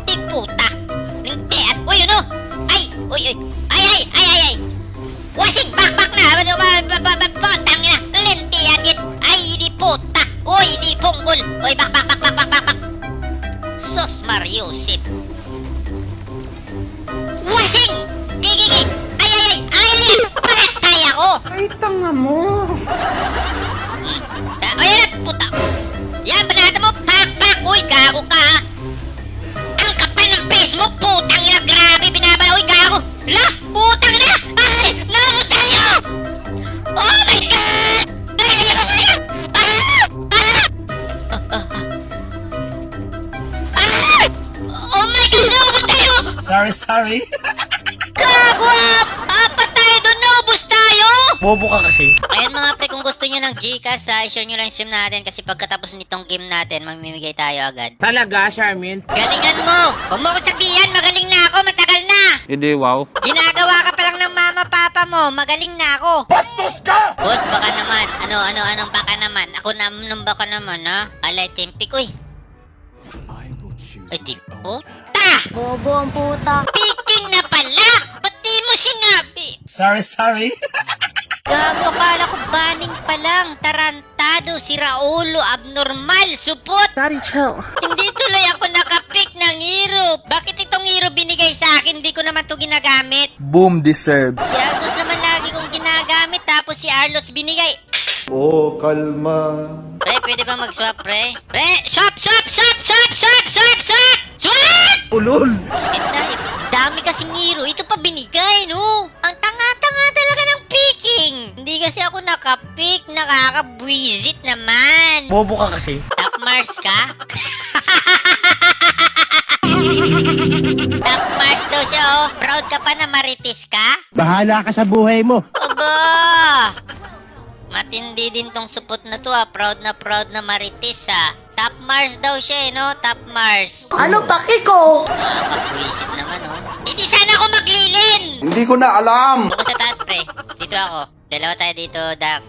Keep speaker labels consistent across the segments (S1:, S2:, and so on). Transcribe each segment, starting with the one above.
S1: di puta. Nintian. Uy, ano? Ay, uy, uy. Ay. Wasing, bakbak na. Potang na. Lintian git. Ay, di puta. Uy, di punggol. Uy, bakbak. Sos Mariusip. Wasing! Gigi! Ay! Patay ako!
S2: Ay, tanga mo!
S1: Ay, puta! Yan, banata mo! Pak! Uy, gago ka! Ang kapal ng face mo! Putang ina! Grabe! Binabala! Uy, gago! La! Putang ina! Ay! Naku tayo! Oh my God! Oh my God! Naku tayo!
S3: Sorry.
S1: Gago! Patay doon! Naubos tayo!
S3: Bobo ka kasi.
S1: Ayan mga pre, kung gusto nyo ng Gcash, i-share nyo lang yung stream natin kasi pagkatapos nitong game natin, mamimigay tayo agad.
S3: Talaga, Charmin?
S1: Galingan mo! Huwag mo ko sabihan, magaling na ako, matagal na!
S3: Hindi, wow.
S1: Ginagawa ka pa lang ng mama-papa mo, magaling na ako!
S3: Bastos ka!
S1: Boss, baka naman. Anong baka naman? Ako nang baka naman, ha? Alay, timpik, uy. Ay, di puta!
S4: Bobo ang puta.
S1: Piking na pala! Ba't di mo sinabi?
S3: Sorry.
S1: Gago, akala ko baning pa lang. Tarantado, si Raulo, abnormal, supot.
S2: Daddy, chill.
S1: Hindi tuloy ako nakapick ng hero. Bakit itong hero binigay sa akin? Hindi ko naman to ginagamit.
S3: Boom deserved.
S1: Si Arlos naman lagi kong ginagamit. Tapos si Arlos binigay.
S5: Oh, kalma.
S1: Pre, pwede ba mag-swap, pre? Pre, swap!
S3: Ulol.
S1: Shit na, dami kasing hero. Ito pa binigay, no? Ang tanga-tanga talaga ng picking. Hindi kasi ako nakapick. Nakakabwisit naman.
S3: Bobo ka kasi.
S1: Top Mars ka? Top Mars daw siya, oh. Proud ka pa na marites ka?
S2: Bahala ka sa buhay mo.
S1: Aba! Matindi din tong supot na to, ah. Proud na marites, ah. Top Mars daw siya, eh, no? Top Mars.
S4: Ano paki ko?
S1: Nakakabwisit naman, oh. Hindi sana ako maglilin!
S5: Hindi ko na alam.
S1: Buko sa taas, pre. Dito ako. Dalawa tayo dito, Dak.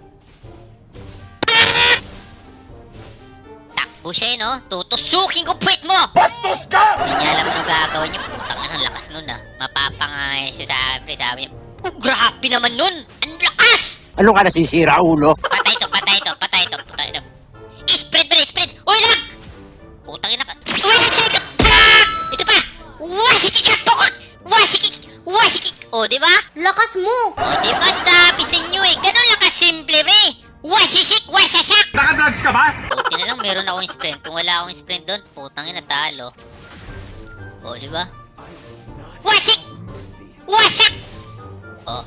S1: Takbo siya, no? Tutusukin ko puwit mo!
S3: Bastos ka!
S1: Hindi niya alam ano gagawin niyo. Putang ang lakas nun, ah. Mapapangay siya sa akin, pre. Sabi niya, oh, grabe naman nun! Ang lakas!
S2: Ano ka nasisira, ulo?
S1: Patay ito. Putang ito. Spread, pre, spread! Uy, lang! Putang ina ka. Uy, check! Ito pa! Wasikik ka, pukot! Wasikik! O, di ba?
S4: Lakas mo.
S1: O, di ba? Sabi sa inyo, eh. Ganun lang kasimple, pre. Wasasak!
S3: Nakadrugs ka ba?
S1: Buti na lang meron akong sprint. Kung wala akong sprint doon, putang ina, talo. O, di ba? Wasak! O,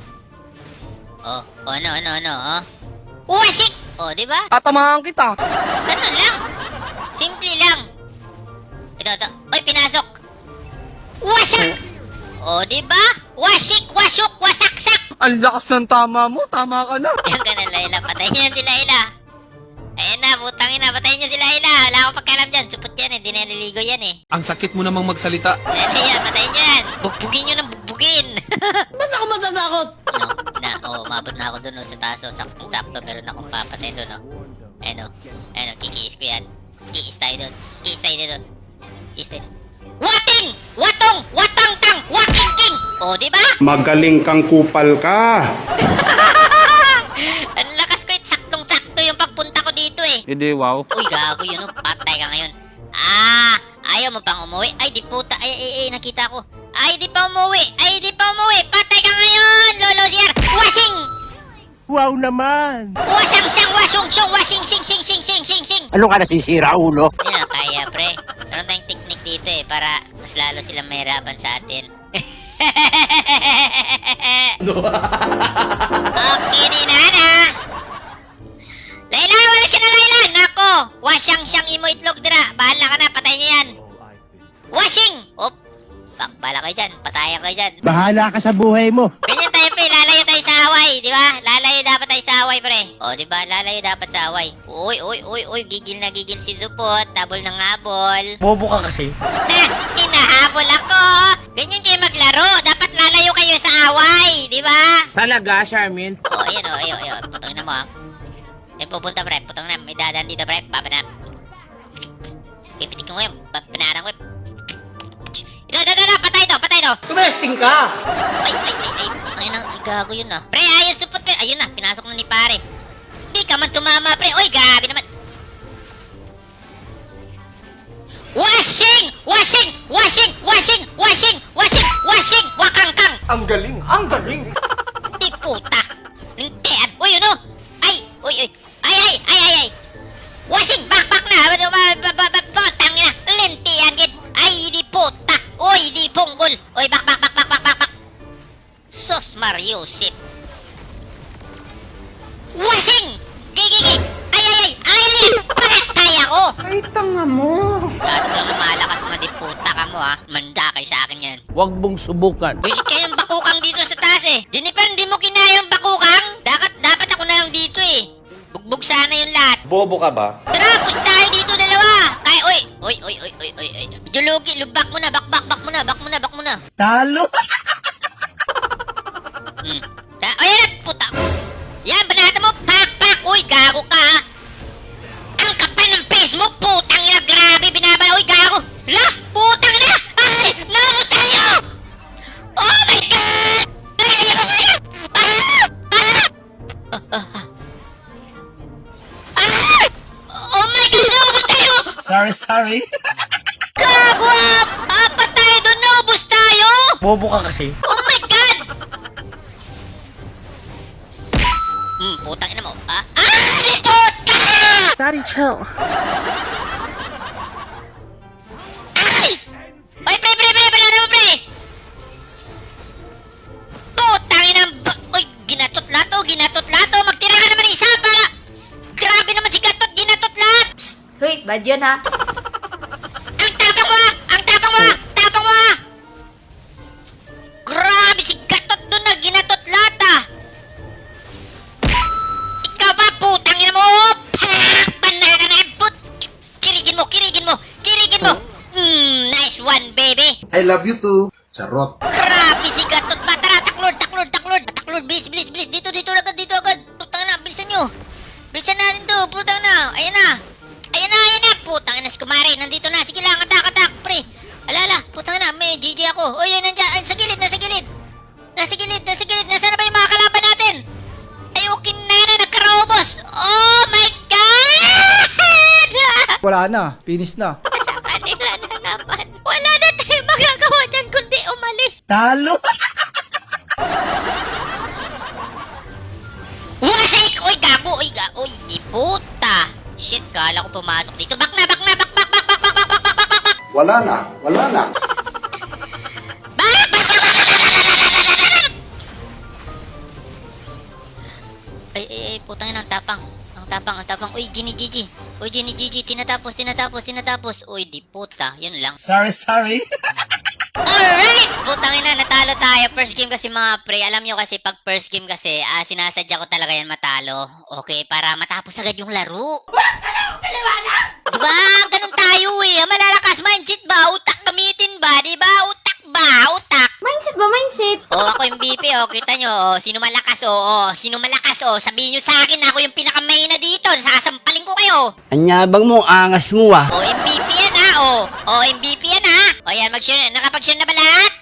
S1: ano? Wasik! O, di ba?
S3: Tatamahan kita.
S1: Ganun lang. Simple lang. Ito. Oy, pinasok. Wasak! O, di ba? Wasok, wasaksak.
S3: Ang lakas ng tama mo. Tama ka na.
S1: Yan ka na, Layla. Patayin niyo si Layla. Ayan na, putang ina. Patayin niyo si Layla. Wala akong pagkalam dyan. Supot yan, eh. Hindi na naliligo yan, eh.
S3: Ang sakit mo namang magsalita.
S1: Ayan, yan. Patayin niyo yan. Bugbugin niyo ng bugbugin.
S4: Ba't ako matatakot?
S1: Umabot na ako dun, sa taas, saktong-sakto. Meron akong papatay dun, Ayun, kikiis ko yan. Kiis tayo dun. Wating! Watang-tang! Waking-king! O, di ba?
S5: Magaling kang kupal ka.
S1: Ang lakas ko, saktong-sakto yung pagpunta ko dito, eh.
S3: Hindi, wow.
S1: Uy, gago yun, patay ka ngayon. Ayaw mo pang umuwi? Ay, di puta. Ay, nakita ko. Ay, di pa umuwi. Patay ka ngayon, Lolo Sir. Wasing!
S2: Wow naman.
S1: Wasang-sang, wasong-song, wasing-sing-sing-sing-sing-sing-sing.
S2: Ano ka nasisira, ulo?
S1: Hindi na kaya, pre. Meron tayong technique dito, eh, para mas lalo silang mahirapan sa atin. Okay, ni Nana. Layla, wala siya na, Layla. Nako, wasyang-syang imo itlog dira. Bahala ka na, patay niyo yan. Washing! Op, bala kayo dyan, patayan kayo dyan.
S2: Bahala ka sa buhay mo.
S1: Ganyan tayo, pre. Lalayo tayo sa away, di ba? Lalayo dapat tayo sa away, pre. O, di ba? Lalayo dapat sa away. Uy. Gigil na gigil si Supot. Tabol ng habol.
S3: Bobo ka kasi.
S1: Hinahabol ako. Ganyan kayo maglaro. Dapat lalayo kayo sa away, di ba?
S3: Talaga, Charmin?
S1: O, ayan. Putong na mo, ha. Pupunta, pre. Putong na. May dadaan dito, pre. Papanap. Pipitik ko ngayon. Panarang ko. akin, oh.
S5: Tumesting ka!
S1: Ay, putang ina, ay, gago yun, ah. Pre, ayun, supot, pre. Ayun na, pinasok na ni pare. Hindi ka man tumama, pre. Oy, grabe naman. Washing! Wakangkang!
S3: Ang galing! Ang galing!
S1: Di puta! Lintian! Uy, ano? Ay! Uy! Ay! Washing! Bakbak na! Botang na! Lintian gid! Ay, di puta! Uy, di punggol! Uy, bak! Sos Mariusip! Washing! Gigi! Ay! Patay ako!
S5: Ay, tanga mo!
S1: Gano'n kang lumalakas mga di puta ka mo, ha? Manda kayo sa akin yan.
S2: Huwag mong subukan.
S1: Wish kayong bakukang dito sa taas eh. Jennifer, hindi mo kinaya yung bakukang? Dapat ako na lang dito eh. Bugbog sana yung lahat.
S3: Bobo ka ba?
S1: Tara, push tayo dito dalawa. Kaya, oy. Medyo lugi, lubak mo na, bak mo na.
S3: Talo!
S1: Ayan na, puta. Yan, banata mo, pak. Uy, gago ka ha. Ang kapal ng face mo, putang ina, grabe, binabala. Uy, gago. La, putang ina. Ay, naku tayo. Oh my God. Oh my God, naubos tayo.
S3: Sorry.
S1: Gago, apat tayo doon, naubos tayo.
S3: Bobo ka kasi.
S1: Oh my God! Putang ina mo. Puta!
S4: Daddy, chill.
S1: Ay! Oy, pre! Ano mo, pre? Putang ina. Oy, ginatot lato. Magtira ka naman ng isa para... Grabe naman si Gatot, ginatot lahat.
S4: Hoy, bad yun ha.
S1: Ang tapang mo, ah! Grabe si Gatot doon na ginatot lahat, ah! Ikaw ba, putang ina mo? Pak! Banana na, put! Kirigin mo! Nice one, baby!
S5: I love you too. Charot.
S1: Grabe si Gatot ba? Tara, taklod! Taklod, bilis! Dito agad! Putang na, bilisan nyo! Bilisan natin to, putang na! Ayan na! Putang na si Kumari, nandito na! Sige lang, atak, pre! Alala, putang na, may GG ako! Oy, nandiyan! Ay, sa gilid! Nasa gilid! Nasaan na ba yung mga kalaban natin? Ay, okay na, nagkaraubos! Oh my God!
S6: Wala na, finish na.
S1: Sa kanila na naman! Wala na tayong magagawa dyan kundi umalis!
S3: Talo!
S1: Wasik! Uy, gago! Uy, di puta! Shit, kala ko pumasok dito. Bak!
S5: Wala na.
S1: Ay, putang ina, ang tapang. Uy, Ginny Gigi. Tinatapos. Uy, di puta. Yun lang.
S3: Sorry.
S1: Alright! Putang ina, natalo tayo. First game kasi mga pre. Alam nyo kasi pag first game kasi, sinasadya ko talaga yan matalo. Okay, para matapos agad yung laro. Diba? Ganun tayo eh. Malalakas mindset ba? Utak gamitin ba? Diba? Utak ba?
S4: Mindset ba, mindset?
S1: Oh, ako yung BP, oh. Kita nyo, oh. Sino malakas, oh. Sabihin nyo sa akin, ako yung pinakamahina dito. Sasampalin ko kayo.
S3: Anyabang mo, angas mo ah.
S1: Oh, MVP yan, ha, oh. Oh, MVP yan, ha. Oh, yan, nakapag-share na ba lahat?